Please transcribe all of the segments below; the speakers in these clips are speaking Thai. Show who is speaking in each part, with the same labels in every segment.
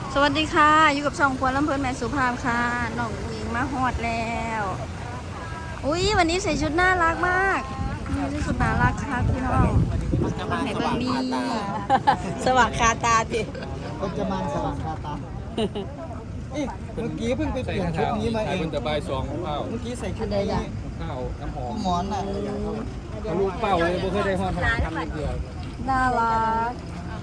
Speaker 1: สวัสดีค่ะอยู่กับช่องครัวลำเพลินแม่สุภาพค่ะน้องหญิงมาฮอดแล้วอุ้ยวันนี้ใส่ชุดน่ารักมากนี่ใส่ชุดน่ารักค่ะพี่น้องไหนเบิ่งนี่สว่างคาตาดิ
Speaker 2: คนจะมันสว่างคาตาเมื่อกี้เพิ่งไปเปลี่ยนชุดนี้มาเอง
Speaker 3: มันจะใบซองข้าว
Speaker 2: เมื่อกี้ใส่ชุดนี้
Speaker 3: ข้าวน้ำหอม
Speaker 2: หมอนน่ะ
Speaker 3: ทะลุเป้าเลยบ่เคยได้ฮอดทำเดียว
Speaker 1: น่ารัก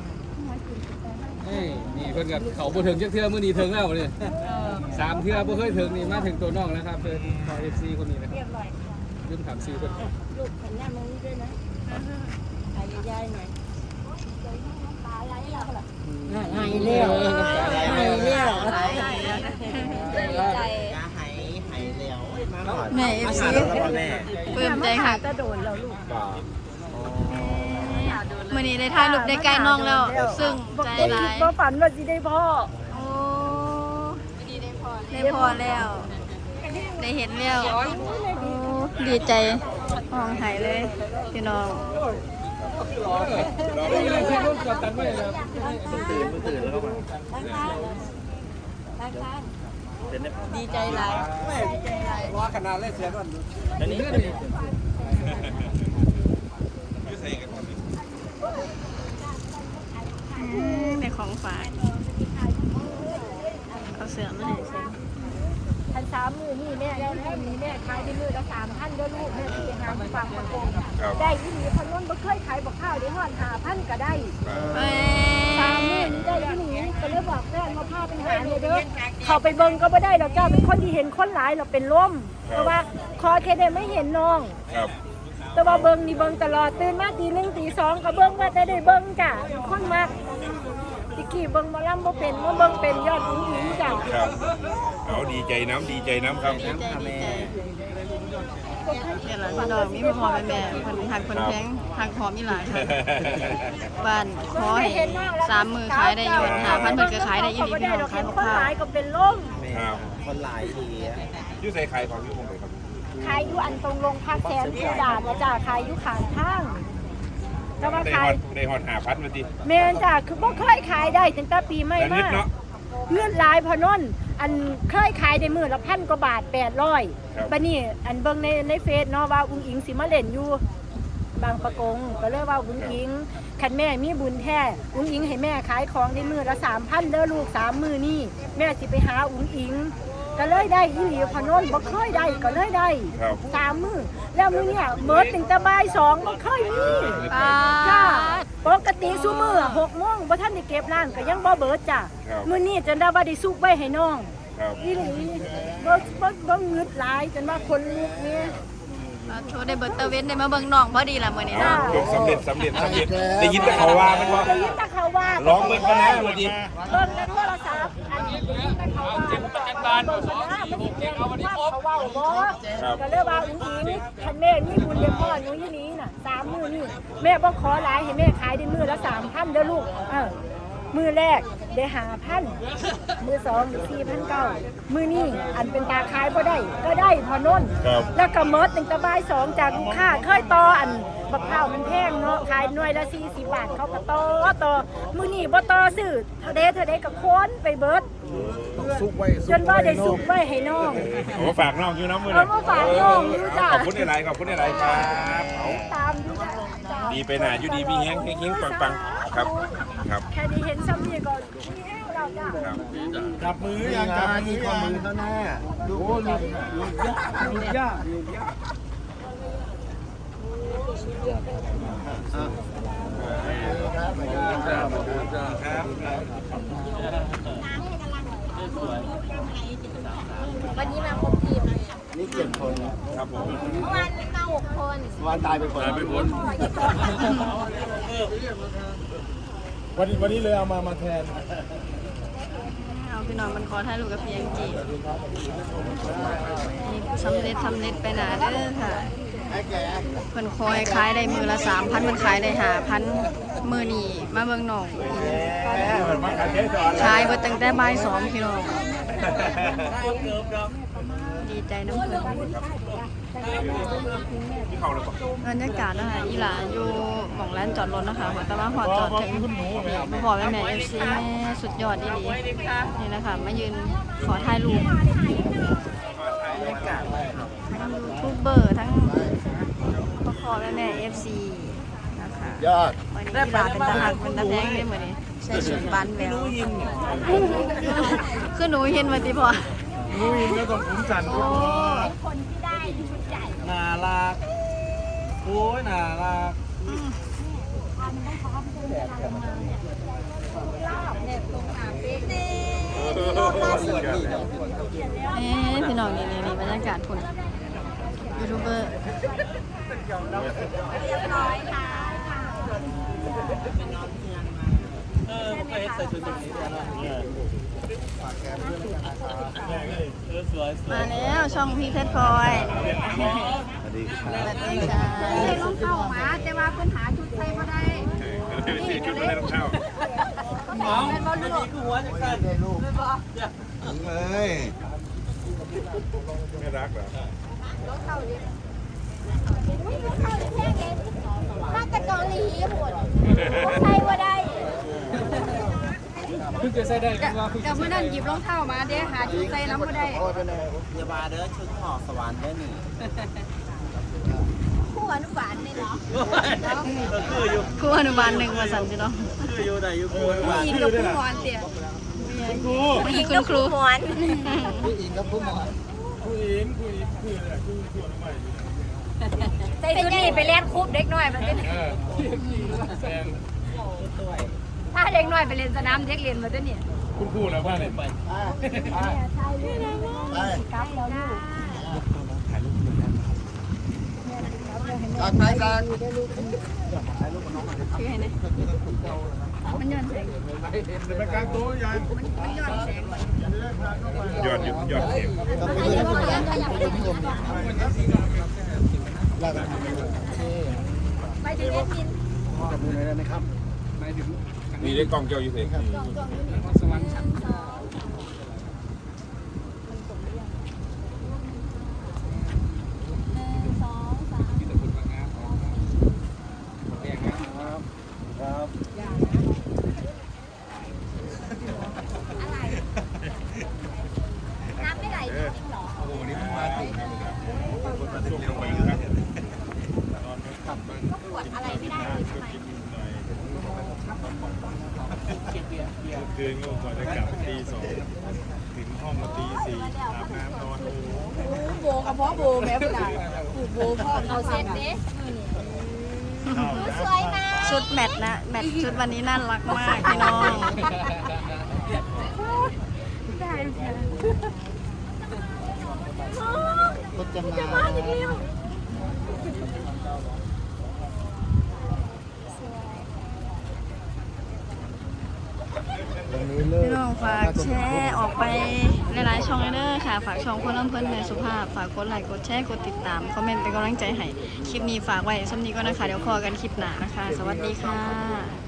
Speaker 3: นี่เพิ่นกับเขาบ่ถึงจักเทื่อมื้อนี้ถึงแล้วนี่3เทื่อบ่เคยถึงนี่มาถึงตัวน้องแล้วครับเพิ่นขอ FC คนนี้นะครับลืมถามชื่อเพิ่น
Speaker 4: ลูกขันย่ามึงด้วยนะถ่ายยายหน่อยหายเลี้ยวหายเลี้ยว
Speaker 1: ใจ
Speaker 2: หายแล้ว
Speaker 1: แม่เอฟซีเพิ่มใจค่ะ
Speaker 4: จะโดนเราลูก
Speaker 3: บ่า
Speaker 1: มื่อนี้ได้ถ่ายรูปได้ใกล้น้องแล้ว ซึ่งใจร้าย
Speaker 4: บ่ฝันว่าสิได้พ่อ
Speaker 1: โอ้ได้พอแล้ว ได้เห็นแล้วโอ้ดีใจห้องหายเลยพี่น้อง
Speaker 3: ที่รถจอดตันไว้แล้ว
Speaker 2: ตื่นแล้วก็มา
Speaker 4: ดีใจหลาย
Speaker 3: รอขนาดเลยเสียก่อนนี่
Speaker 1: ในของฝากเอาเสือมาให้เสือ
Speaker 4: พัน3 มื้อนี่แม่ได้มื้อแม่ขายได้มื้อละ3,000เด้อลูกแม่สิไปหาฝากมาโกงได้อีหลีพนนบ่เคยขายบ่ข้าวได้ฮอด5,000ก็ได้
Speaker 1: เอ้ย
Speaker 4: 3 มื้อนี้ได้อีหลีก็เลยบอกแฟนมาพาไปหาเนี่ยเด้อเข้าไปเบิ่งก็บ่ได้ดอกจ้าเป็นคนที่เห็นคนหลายแล้วเป็นลมเพราะว่าขอแค่ได้ไม่เห็นน้อง แต่ว่าเบิ่งนี่เบิ่งตลอดตื่นมาตี 1 ตี 2ก็เบิ่งว่าแต่ได้เบิ่งจ้ะคนมากตะกี้เบิ่งหมอลำบ่เป็นมาเบิ่งเป็นยอดหญิงจ้ะ
Speaker 5: ครับเอาดีใจน้ำครับ
Speaker 1: ดีใจดีใจเนี่ยแหละพี่น้องมีพ่อแม่คนหักคนแพงหักหอมอีหลายค่ะบ้านขอให้3 มื้อขายได้ยอด5,000เพิ่นก็ขายได้อีหลีพี่น้องขายบ่
Speaker 4: คน
Speaker 1: ข้า
Speaker 4: หลายว ก็เป็นลม
Speaker 5: ครับ
Speaker 2: คนหลายที
Speaker 5: ยูใส่ไข่ของยูคงเลยครับ
Speaker 4: ขายอยู่อันตรงโรงพักแสนผู้ดาดนะจ้ะขายอยู่ข้างทางแต่ว่า
Speaker 5: ได้
Speaker 4: ขา
Speaker 5: ฮอย ดได้ฮอด5,000มาดิ
Speaker 4: แม่นจ้ะคือบ่เคยขายได้ตั้งแต่ปีใหม่
Speaker 5: แต่นิ
Speaker 4: มา
Speaker 5: ดเนาะ
Speaker 4: เงื่อนหลายพอนนอันเคยขายได้มื้อละ1,000 กว่าบาท800บัดนี้อันเบิ่งในเฟซเนาะว่าอุ้งอิงสิมาเล่นอยู่บางประกงก็เลยว่าอุ้งอิงคันแม่มีบุญแท้อุ้งอิงให้แม่ขายของได้มื้อละ 3,000 เด้อลูก3 มื้อนี้แม่สิไปหาอุ้งอิงก็เลยได้อีหลีพอนนบ่เคยได้ก็เลยได้
Speaker 5: ครับ
Speaker 4: 3 มื้อแล้วมื้อเนี่ยเบิดตั้งแต่บ่าย2บ่เคยมี
Speaker 1: อ่า
Speaker 4: จ้าปกติซุมื้อ6 โมงบ่ทันได้เก็บร้านก็ยังบ่เบิดจ้ะ
Speaker 5: ครับ
Speaker 4: มื้อนี้จนได้ว่าได้ซุกไว้ให้น้อง
Speaker 5: ครับ
Speaker 4: อีหลีบ่งึดหลายจนว่าคนลุกเนี่ย
Speaker 1: โชว์ได้เบิร์ตเว้นได้มาเบิ่งน้องพอดีล่ะมื้อนี้
Speaker 4: จ้า
Speaker 1: เนาะ
Speaker 5: จบสำเร็จได้ยินแต่เขาว่ามันว่า
Speaker 4: ได้ยินแต่เขาว่า
Speaker 5: ร้องเบิ่งกันนะมาดิ
Speaker 4: เบิ่งในโทรศัพท์อันนี้ได้ยินแต่เขาว่าเบิ่งกันนะมันสิแม่นว่าเขาเว้าบ่ก็เลยว่าอุ้งอิงคันแม่มีบุญเด้อพ่อหนูอีหลีน่ะ3 มื้อนี่แม่บ่ขอหลายให้แม่ขายได้มื้อละ 3,000เด้อลูกมื้อแรกได้5,000มื้อ2ได้4,900มื้อนี้อันเป็นตาขายบ่ได้ก็ได้พอนน
Speaker 5: ครับ
Speaker 4: แล้วก็หมดตั้งแต่บ่าย2จากลูกค้าเคยต่ออันบักข้าวมันแพงเนาะขายหน่วยละ40 บาทเขาก็ต่อมื้อนี้บ่ต่อซื้อเท่าใดก็ค้นไปเบิด
Speaker 2: ซุกไว้
Speaker 4: จนว่าได้สุกไว้ให้น้อง
Speaker 5: เอามาฝากน้องอยู่น้ำมือ
Speaker 4: เอามาฝากน้องอยู่จ้ะ
Speaker 5: ขอบคุณหลายๆขอบคุณหลายๆครับเอา
Speaker 4: ตามดูจ้ะ
Speaker 5: ดีไปหน่าอยู่ดีมีแฮงปังครับครับ
Speaker 4: แค่นี้เห็นซ้ำนี่ก็มีแห้วแล้วจ้ะ
Speaker 5: ครับ
Speaker 2: จับมือยังจับมือข้อมือเขาแน่ดูลูกยาก
Speaker 4: วันนี้มาครบทีม
Speaker 2: นี่7 คน
Speaker 5: ครับผม
Speaker 4: เมื่อวานมา6 คน
Speaker 2: วันตายไปคนวันนี้เลยเอามาแทน
Speaker 1: เอาพี่น้องมันขอถ่ายรูปกับพี่แองจี้นี่สำเร็จไปหนาเด้อค่ะเพิ่นคอยขายได้มื้อละ3,000เพิ่นขายได้5,000มื้อนี้มาเบิ่งน้องขายเบิดตั้งแต่บ่าย2พี่น้องดีใจน้ำเพิ่น
Speaker 5: ที่เขาเลยบอก
Speaker 1: บรรยากาศนะคะอีหลาอยู่หม่องร้านจอดรถนะคะแต่ว่าหอดจอดถึงมาบอกแม่เอฟซีแม่สุดยอดดีนี่นะคะมายืนขอถ่ายรูปทั้งยูทูบเบอร์ทั้งพ่อแม่เอฟซีนะคะ
Speaker 2: ยอด
Speaker 1: วันนี้อีหลาเป็นตาหักเป็นตาแพงได้เหมือนนี้ใส่ชุดบ้านแววคือหนูเห็นมาติพอ
Speaker 5: งูอินก็ต้องคุ้มสัน
Speaker 1: โอ้
Speaker 2: น่ารักโอ้ยน่ารัก
Speaker 1: พี่น้องนี่บรรยากาศคุณยูทูบเบอร์
Speaker 2: เคยใส่ชุดแบบนี้ด้วยสวย
Speaker 1: มาแล้วช่องพี่เพชรพลอย
Speaker 2: สวัสดีครับ
Speaker 1: สวัสดีค่ะ
Speaker 4: ต้องเข้ามาแต่ว่าปัญหาชุดใส่บ่ได้
Speaker 5: สีชุดไม่ต้องเช่า
Speaker 2: น้องไม่ดีกูหัวจะสั่นได้ลูกเอ้ย
Speaker 5: ไม่รักเหรอ
Speaker 4: มาจากเกาหลีหมดใส่บ่ได้
Speaker 3: เพิ่งจะใส่ได้กันว่าเพิ่ง
Speaker 4: กับเมื่อนั้นหยิบรองเท้ามาเด้หาชุดใส่น้ำบ่ได้
Speaker 2: อย่ามาเด้อชุดหอสวรรค์ได้หนิ
Speaker 4: คู่อนุบาลนี่เหรอ
Speaker 2: คืออยู่
Speaker 1: ครูอนุบาลหนึ่งมาสั่นพี่น้อง
Speaker 2: คืออยู่ไหนอยู่กู
Speaker 4: ผู้หญิงกับผู้หมอนเตี่ย
Speaker 1: ผู้หญิงคุณครู
Speaker 4: หมอน
Speaker 2: ผู้หญิงกับผู้หมอน
Speaker 4: ใส่ชุดนี้ไปเล่นคุบเด็กน้อยมาเต้น
Speaker 3: แซง
Speaker 4: ถ้าเด็กน้อยไปเล่นสนามเด็กเรียนมาเต้นเนี่ย
Speaker 3: คุณครูนะพ่อเนี่ย
Speaker 2: ไป
Speaker 4: กลับแล้วลูก
Speaker 2: การถ่ายการ
Speaker 1: ชื่อให้นะมันย้อนแสง
Speaker 5: ไปกลางโต๊ะยัน
Speaker 1: มันย้อนแสง
Speaker 5: ยอดยอดเข็ม
Speaker 2: ต้องไปดูพี่ชมพี่ชมลาไป
Speaker 4: ไปถึงเอ็ดมิน
Speaker 2: กับมือหน่อยได้ไหมครับ
Speaker 3: หมายถึง
Speaker 5: มีได้กล้องเกี่ยวอยู่สิ
Speaker 3: สวรรค์ชั้นมีแต่คนมางานแดงนะครับ
Speaker 2: ครับ
Speaker 4: น้ำไม่ไหลจริงเหรอ
Speaker 5: โอ้โหนี่มาถูกคนมาส่งไปอยู่ครับนอนขับบ้าง
Speaker 4: ปวดอะไรไม่ได้เลยใช่ไหม
Speaker 5: คืนก็กว่าจะกลับตี 2ถึงห้องมาตี 4อาบน้ำนอน
Speaker 4: โบกับพ่อโบแม่ผู้ใดผูกโบพ่อเอาเซ็ตเด้สวยมาก
Speaker 1: ชุดแมทนะแมทชุดวันนี้น่ารักมากพี่น้อง
Speaker 4: ได้ค่ะ
Speaker 2: รถจะมาวันนี้เลิ
Speaker 1: พี่
Speaker 2: ก
Speaker 1: น้องฝากแชร์ออกไปหลายๆช่องเลยเด้อค่ะ ฝากช่องคนลำเพิ่นในสุภาพ ฝากกดไลค์กดแชร์กดติดตามคอมเมนต์เป็นกำลังใจให้คลิปนี้ฝากไว้สำนี้ก็นะคะเดี๋ยวพอกันคลิปหน้านะคะ สวัสดีค่ะ